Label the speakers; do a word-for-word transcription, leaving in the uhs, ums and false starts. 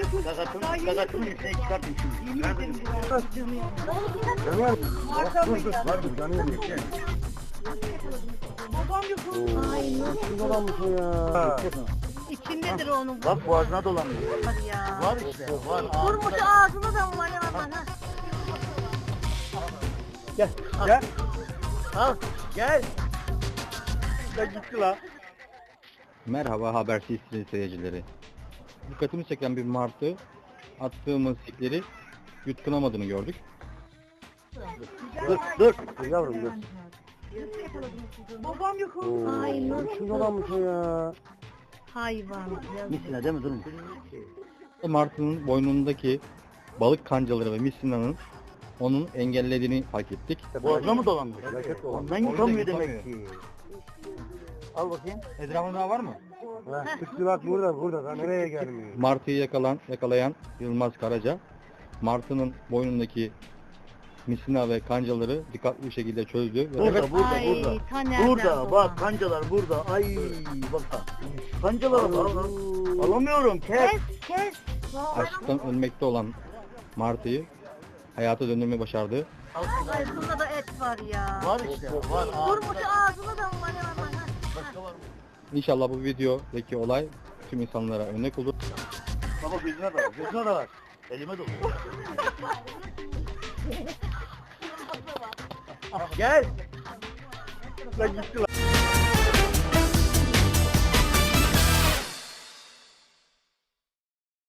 Speaker 1: Gagatın, gagatının içine çıkartın şimdi.
Speaker 2: Yemin ederim bu ya. Canı ya.
Speaker 3: Yanıyor mu?
Speaker 2: Marka mı
Speaker 3: Dur dur
Speaker 2: ya?
Speaker 3: vardır yanıyor mu?
Speaker 2: Babam yok oğlum. Ay nasıl?
Speaker 3: Kim dolanmış o ya?
Speaker 2: İçindedir onun.
Speaker 1: Bak boğazına dolanıyor.
Speaker 2: Hadi ya.
Speaker 1: Var işte, var.
Speaker 2: Vurmuş ağzına da var ya aman ha.
Speaker 3: Gel gel.
Speaker 1: Al, gel.
Speaker 3: Ya gitti la.
Speaker 4: Merhaba Haber T V seyircileri. Dikkatimi çeken bir martı attığımız sikleri yutkunamadığını gördük.
Speaker 1: Dur, dur.
Speaker 3: Dur yavrum dur.
Speaker 2: Babam yok oğlum. Ay
Speaker 3: Oo,
Speaker 2: nasıl?
Speaker 3: kim dolanmış o ya?
Speaker 2: Hayvan.
Speaker 1: Misine değil mi? Durun.
Speaker 4: Martının boynundaki balık kancaları ve misinanın onun engellediğini fark ettik.
Speaker 1: Boğazına mı dolanmış?
Speaker 3: Felaket dolanmış.
Speaker 1: Ondan yutamıyor demek ki. Al bakayım.
Speaker 4: Etrafında daha var mı?
Speaker 3: Ha, Üstü bak burada burada da nereye gelmiyor?
Speaker 4: Martıyı yakalan, yakalayan Yılmaz Karaca, martının boynundaki misina ve kancaları dikkatli bir şekilde çözdü. Ve
Speaker 1: Burada, burada,
Speaker 2: Ay,
Speaker 1: burada.
Speaker 2: ta nereden
Speaker 1: Burada,
Speaker 2: dolan?
Speaker 1: bak kancalar burada. Ay, bak. Kancalara bak. Alamıyorum, kes.
Speaker 2: Kes kes.
Speaker 4: açlıktan ölmekte olan martıyı hayata döndürmeyi başardı.
Speaker 2: Ay bunda da et var ya.
Speaker 1: Var işte, var.
Speaker 2: Vurmuş ağzına da var ya aman ha.
Speaker 1: Başka var mı?
Speaker 4: İnşallah bu videodaki olay tüm insanlara örnek olur.
Speaker 1: Baba gözüne de var, gözüne de var. Elime dolu. Gel.
Speaker 3: La gitti la.